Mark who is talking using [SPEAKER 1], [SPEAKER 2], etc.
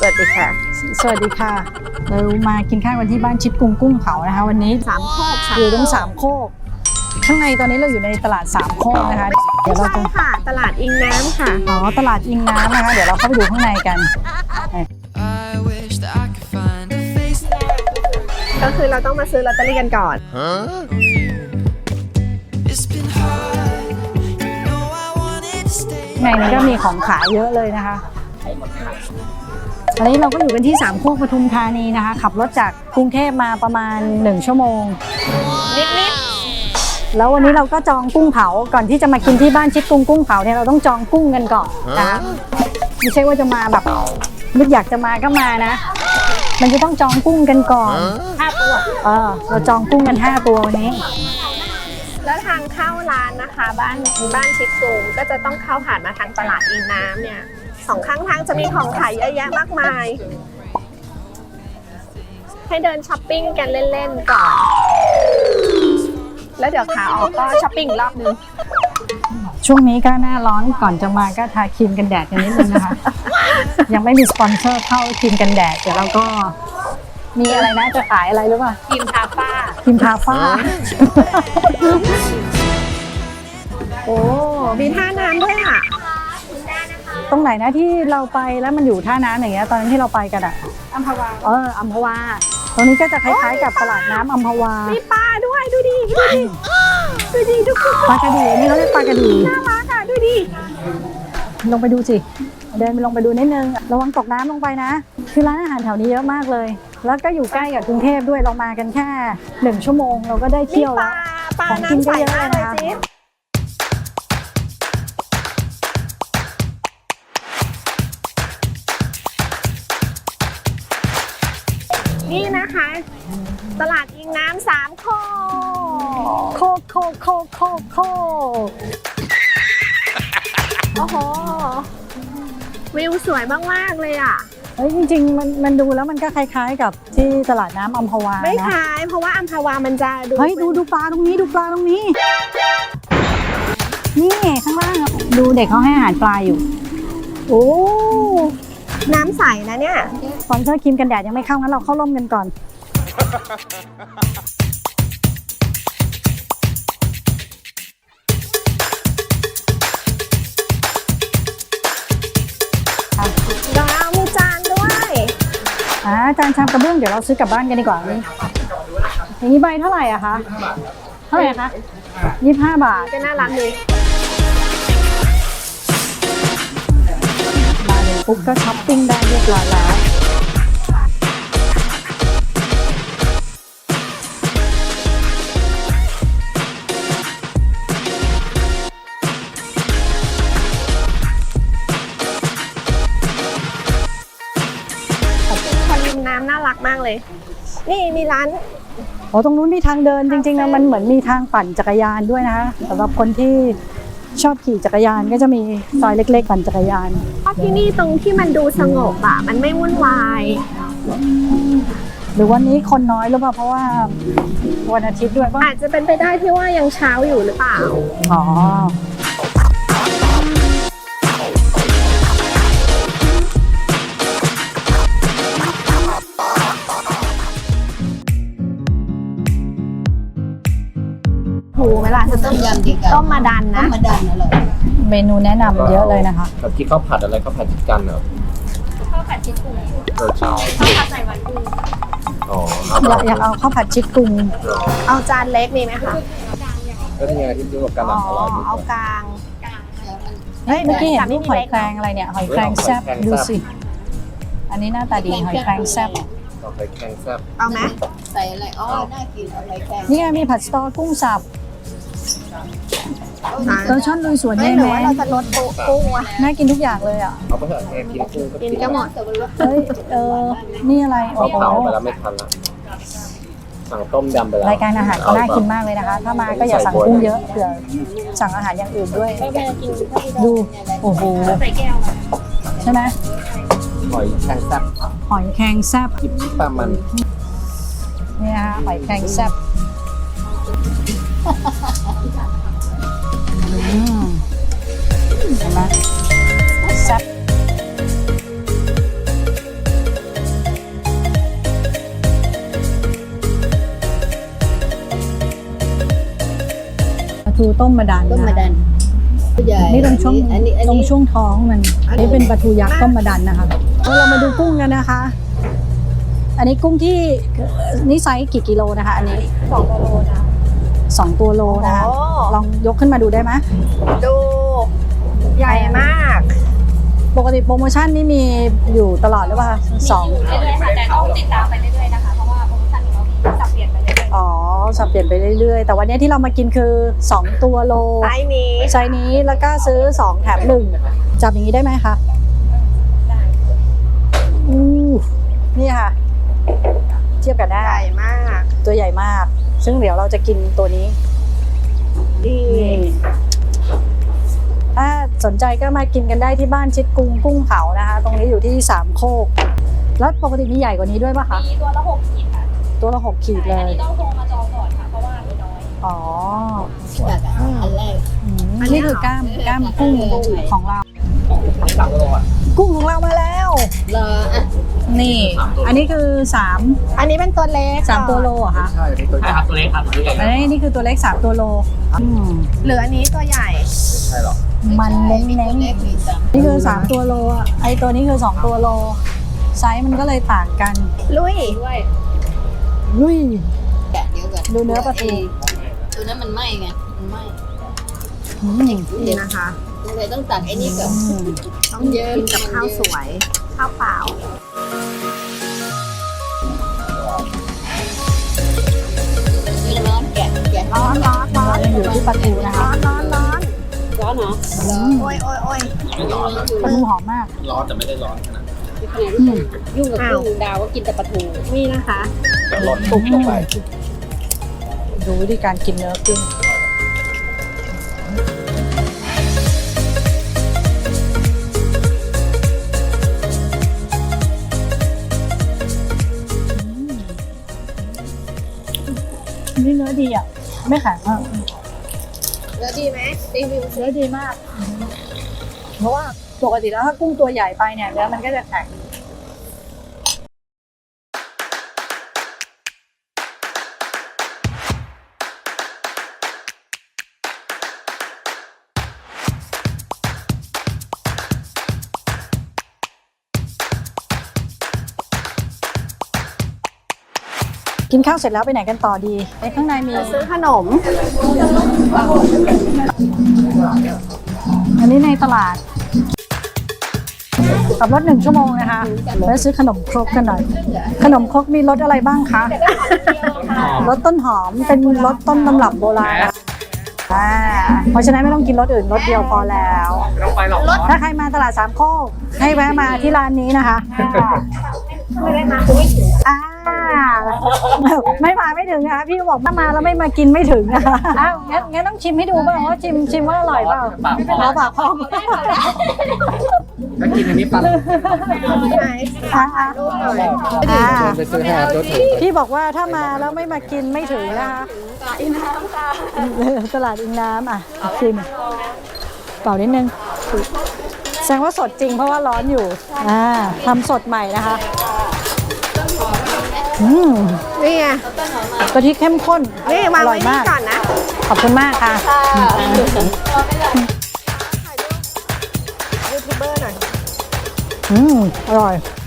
[SPEAKER 1] วัสดีค่ะ
[SPEAKER 2] สวัสดีค่ะเรามากินข้าวกันที่บ้านชิดกุ้งกุ้งเผานะคะวันนี้
[SPEAKER 1] สามโคก
[SPEAKER 2] อยู่ตรงสามโคกข้างในตอนนี้เราอยู่ในตลาดสามโคกนะคะเดี๋ยวเราจะ
[SPEAKER 1] ค่ะตลาดอิงน้ำค่ะ
[SPEAKER 2] อ๋อตลาดอิงน้ำนะคะเดี๋ยวเราเข้าไปดูข้างในกัน
[SPEAKER 1] ก็คือเราต้องมาซื้อลอตเตอรี่กันก่อน
[SPEAKER 2] ในนี้ก็มีของขายเยอะเลยนะคะตอนนี้เราก็อยู่กันที่สามโคกปทุมธานีนะคะขับรถจากกรุงเทพมาประมาณ1ชั่วโมง
[SPEAKER 1] นิด
[SPEAKER 2] แล้ววันนี้เราก็จองกุ้งเผาก่อนที่จะมากินที่บ้านชิดกุ้งกุ้งเผาเนี่ยเราต้องจองกุ้งกันก่อนนะไม่ใช่ว่าจะมาแบบนึกอยากจะมาก็มานะมันจะต้องจองกุ้งกันก่อน5 ตัวเราจองกุ้งกัน5 ตัววันนี้
[SPEAKER 1] แล้วทางเข้าร้านนะคะบ้านชิดกุ้งก็จะต้องเข้าผ่านมาทางตลาดอิงน้ำเนี่ย2 ข้างทางจะมีของขายเยอะแยะมากมายให้เดินช้อปปิ้งกันเล่นๆก่อนแล้วเดี๋ยวขาออกก็ช้อปปิ้งรอบนึง
[SPEAKER 2] ช่วงนี้ก็หน้าร้อนก่อนจะมาก็ทาครีมกันแดดกันนิดนึงนะคะ ยังไม่มีสปอนเซอร์เข้าครีมกันแดดเดี๋ยวเราก็มีอะไรนะจะขายอะไรหรือเปล่า
[SPEAKER 1] ครีมทาฝ้าโอ้มีท่าน้ำด้วยอ่ะ
[SPEAKER 2] ตรงไหนนะที่เราไปแล้วมันอยู่ท่าน้ำอย่างเงี้ยตอนนั้นที่เราไปกันอ่ะ
[SPEAKER 1] อัมพวา
[SPEAKER 2] อัมพวาตรงนี้ก็จะคล้ายๆกับตลาดน้ำอัมพวา
[SPEAKER 1] มีปลาด้วยดูดิทุกคน
[SPEAKER 2] ปลากระดีนี่เขาเรียกปลากระดี
[SPEAKER 1] น่ารักอ่ะดูดิ
[SPEAKER 2] ลงไปดูสิเดินไปลงไปดูนิดนึงระวังตกน้ำลงไปนะคือร้านอาหารแถวนี้เยอะมากเลยแล้วก็อยู่ใกล้กับกรุงเทพด้วยเรามากันแค่1 ชั่วโมงเราก็ได้เที่ยวแล้วของกินก็เยอะเลยนะคะ
[SPEAKER 1] นี่นะคะตลาดอิงน้ำ3 โคโอ้โหวิวสวยมากๆเลยอ่ะ
[SPEAKER 2] เฮ้ยจริงๆมันดูแล้วมันก็คล้ายๆกับที่ตลาดน้ำอัมพวา
[SPEAKER 1] ไม่คล้ายเพราะว่าอัมพวามันจะดู
[SPEAKER 2] เฮ้ยดูปลาตรงนี้นี่ข้างล่างดูเด็กเขาให้อาหารปลาอยู่โอ้
[SPEAKER 1] น้ำใสนะเนี่ย
[SPEAKER 2] สปอนเซอร์ครีมกันแดดยังไม่เข้างั้นเราเข้าร่มกันก่อน
[SPEAKER 1] มีจานด้วย
[SPEAKER 2] จานชามกระเบื้องเดี๋ยวเราซื้อกลับบ้านกันดีกว่านี่อย่างนี้ใบเท่าไหร่อะคะเท่าไหร่คะ25 บาท
[SPEAKER 1] ก็น่ารักเลย
[SPEAKER 2] มาเลยปุ๊บก็ช้อปปิ้งได้เรียบร้อยแล้ว
[SPEAKER 1] คนริมน้ำน่ารักมากเลยนี่มีร้าน
[SPEAKER 2] ตรงนู้นมีทางเดินจริงๆนะมันเหมือนมีทางปั่นจักรยานด้วยนะคะสำหรับคนที่ชอบขี่จักรยานก็จะมีซอยเล็กๆปั่นจักรยาน
[SPEAKER 1] ที่นี่ตรงที่มันดูสงบอ่ะมันไม่วุ่นวาย
[SPEAKER 2] หรือวันนี้คนน้อยหรือเปล่าเพราะว่าวันอาทิตย์ด้วย
[SPEAKER 1] อาจจะเป็นไปได้ที่ว่ายังเช้าอยู่หรือเปล่าเวลาจะต้มมาดันนะ
[SPEAKER 2] เมนูแนะนำเยอะเลยนะคะ
[SPEAKER 3] แบบที่ข้าวผัดอะไรข้าวผัดชิดกันเหรอ
[SPEAKER 1] ข้าวผัดชิดกุ้งข้าวผัดใส่หวานกุ้ง
[SPEAKER 2] อยากเอาข้าวผัดชิดกุ้ง
[SPEAKER 1] เอาจานเล็กมีไหมคะ
[SPEAKER 3] ก็นี่ไงที่ดูกับกลางอร่อย
[SPEAKER 1] เอากลาง
[SPEAKER 2] เฮ้ยเมื่อกี้เห็นรูปหอยแครงอะไรเนี่ยหอยแครงแซ่บดูสิอันนี้หน้าตาดีหอยแครงแซ่บ
[SPEAKER 3] หอยแครงแซ่บ
[SPEAKER 1] เอาไหม
[SPEAKER 4] ใส่อะไรน่ากินอะไรแครง
[SPEAKER 2] นี่ไงมีผัดสตอกุ้งสับช่อนลุยสวนได้ไหม
[SPEAKER 1] เราจะลดกุ้งอ่ะ
[SPEAKER 2] น่ากินทุกอย่างเลยอ่ะ
[SPEAKER 3] เอาไปเถอะกินกุ้งก็
[SPEAKER 1] กินก็หมด
[SPEAKER 2] เฮ้ยนี่อะไร
[SPEAKER 3] โอ้โหไปแล้วไม่ทันละสั่งต้มยำไปแล้ว
[SPEAKER 2] รายการอาหารก็น่ากินมากเลยนะคะถ้ามาก็อย่าสั่งกุ้งเยอะเผื่อสั่งอาหารอย่างอื่นด้วยดูโอ้โหใช่ไหม
[SPEAKER 3] หอยแครงแซ่บ
[SPEAKER 2] จิบ
[SPEAKER 3] ปลามัน
[SPEAKER 2] นี่นะคะหอยแครงแซ่บเห็นไหมแซ่บทูต้มมะดัน
[SPEAKER 4] ต้มมะดันผู้ใหญ่
[SPEAKER 2] นี่ตรงช่วง
[SPEAKER 4] อันนี้
[SPEAKER 2] ตรงช่วงท้องมันอันนี้เป็นปลาทูยักษ์ต้มมะดันนะคะเรามาดูกุ้งกันนะคะ อันนี้กุ้งที่นี่ไซส์กี่กิโลนะคะ อันนี้
[SPEAKER 1] 2 โลนะ
[SPEAKER 2] 2 ตัวโลนะคะ
[SPEAKER 1] โอ้
[SPEAKER 2] ลองยกขึ้นมาดูได้ไหม
[SPEAKER 1] ดูใหญ่มาก
[SPEAKER 2] ปกติโปรโมชั่นนี่มีอยู่ตลอดหรือเปล่าสอง
[SPEAKER 5] เรื่อยๆค่ะแต่ต้องติดตามไปเรื่อยๆนะคะ เพราะว่าโปรโมชั่นของเรามีสับเปลี่ยนไปเรื่อย
[SPEAKER 2] อ๋อสับเปลี่ยนไปเรื่อยๆ แต่วันนี้ที่เรามากินคือ 2 ตัวโล
[SPEAKER 1] ไซส์นี้
[SPEAKER 2] ไซส์นี้แล้วก็ซื้อ 2 แถม 1 จับอย่างนี้ได้ไหมคะอู้นี่ค่ะ เทียบกันได้
[SPEAKER 1] ใหญ่มาก
[SPEAKER 2] ตัวใหญ่มาก ซึ่งเดี๋ยวเราจะกินตัวนี้
[SPEAKER 1] ดี
[SPEAKER 2] ถ้าสนใจก็มากินกันได้ที่บ้านชิดกุ้งเผานะคะ ตรงนี้อยู่ที่3 โคก แล้วปกติมีใหญ่กว่านี้ด้วยป่ะคะ
[SPEAKER 5] ๆมีตัวละ6 ขีดค่ะ
[SPEAKER 2] ตัวละ6 ขีดเล
[SPEAKER 5] อัน
[SPEAKER 2] ย
[SPEAKER 5] นี้ต้องโทรมาจองก่อนค่ะ เพราะว่ามีน้อย
[SPEAKER 2] อ๋อ
[SPEAKER 4] จากอันแรก
[SPEAKER 2] นี่คือกล้ามกุ้งของเรา
[SPEAKER 3] 3 โลอ่ะ
[SPEAKER 2] กุ้งของเรามาแล้ว
[SPEAKER 4] รออ่ะ
[SPEAKER 2] นี่ อันนี้คือ3
[SPEAKER 1] อันนี้เป็นตัวเล็ก
[SPEAKER 2] ตัวโลเหรอคะ
[SPEAKER 3] ใช่นี่ตัวใหญ่ครับตัวเล็กครับตัวใหญ่
[SPEAKER 2] อันนี้นี่คือตัวเล็ก3 ตัวโล
[SPEAKER 1] เหลืออันนี้ตัวใหญ่
[SPEAKER 3] ใช่หรอ
[SPEAKER 2] มันเน้น
[SPEAKER 4] มีตัวเล็กมีสาม
[SPEAKER 2] ๆนี่คือ3 ตัวโลอ่ะไอตัวนี้คือ2 ตัวโล ไซส์มันก็เลยต่างกัน
[SPEAKER 1] ลุย
[SPEAKER 5] ด้วย
[SPEAKER 2] ลุย
[SPEAKER 4] แกะเดียวกัน
[SPEAKER 2] ดูเนื้อปลาทู
[SPEAKER 4] ตัวนั้นมันไหม้ไงมันไหม้
[SPEAKER 2] อืม
[SPEAKER 1] นี่นะคะ
[SPEAKER 4] ตัวเลยต้องตักไอ้นี่ก่อน
[SPEAKER 1] ต้องกินกับข้าวสวย ข้าวเปล่า
[SPEAKER 4] นี่ร้อนแกะ
[SPEAKER 1] ร้อนร้อนร้อน
[SPEAKER 2] ยังอยู่ที่ปลาทูนะคะ
[SPEAKER 1] ร้อนร้อน
[SPEAKER 4] ร้อนเหรอ
[SPEAKER 2] อืม
[SPEAKER 1] โอ้ยโอ้ยโอ้ย
[SPEAKER 3] ไม่ร้อนนะ
[SPEAKER 2] ปลาทูหอมมาก
[SPEAKER 3] ร้อนแต่ไม่ได้ร้อนขนาดนั้น
[SPEAKER 2] อืม
[SPEAKER 4] ยุ่งกับกุ้งดาวก็กินแต่ปลาทู
[SPEAKER 1] นี่นะคะ
[SPEAKER 3] แต่ร้อนปุ๊บลงไป
[SPEAKER 2] ดูวิธีการกินเนื้อกุ้งนี่เนื้อดีอ่ะ ไม่แข็งอ่ะ
[SPEAKER 1] แล้วดีไหมรีวิว
[SPEAKER 2] เนื้อดีมาก เพราะว่าปกติแล้วถ้ากุ้งตัวใหญ่ไปเนี่ยเนื้อมันก็จะแข็ง กินข้าวเสร็จแล้วไปไหนกันต่อดีในข้างในมี
[SPEAKER 1] ซื้อขนม
[SPEAKER 2] อันนี้ในตลาดขับรถ1 ชั่วโมงนะคะแล้วซื้อขนมครกกันหน่อย ขนมครกมีรสอะไรบ้างคะรสต้นหอมเป็นรสต้นตำรับโบราณเพราะฉะนั้นไม่ต้องกินรสอื่นรสเดียวพอแล้ว
[SPEAKER 3] ไม่ต้องไปหรอก
[SPEAKER 2] ถ้าใครมาตลาด3 โคกให้แวะมาที่ร้านนี้นะคะ
[SPEAKER 1] ไม่ได้มาคุยถึง
[SPEAKER 2] ไม่มาไม่ถึงนะคะพี่บอกถ้ามาแล้วไม่มากินไม่ถึงนะคะอ้าวงั้นต้องชิมให้ดูบ้างว่าชิมว่าอร่อยเปล่าเอาปากพอง
[SPEAKER 3] ก็กินอันนี้ปัน
[SPEAKER 1] ไหนถ่ายรูปหน่อย
[SPEAKER 3] ไปซื้อให้ตัวถูก
[SPEAKER 2] พี่บอกว่าถ้ามาแล้วไม่มากินไม่ถึงนะคะตลาดอิงน้ำอ่ะชิมเป่านิดนึงแสดงว่าสดจริงเพราะว่าร้อนอยู่ทำสดใหม่นะคะ
[SPEAKER 1] นี่ไง
[SPEAKER 2] กะทิเข้มข้น
[SPEAKER 1] นี่วาง
[SPEAKER 2] อร่
[SPEAKER 1] ไว้
[SPEAKER 2] อย
[SPEAKER 1] นี่
[SPEAKER 2] มาก
[SPEAKER 1] ก่อนนะ
[SPEAKER 2] ขอบคุณมากค่ะ
[SPEAKER 1] ยูทูบเบอร์หน่อย
[SPEAKER 2] อร่อย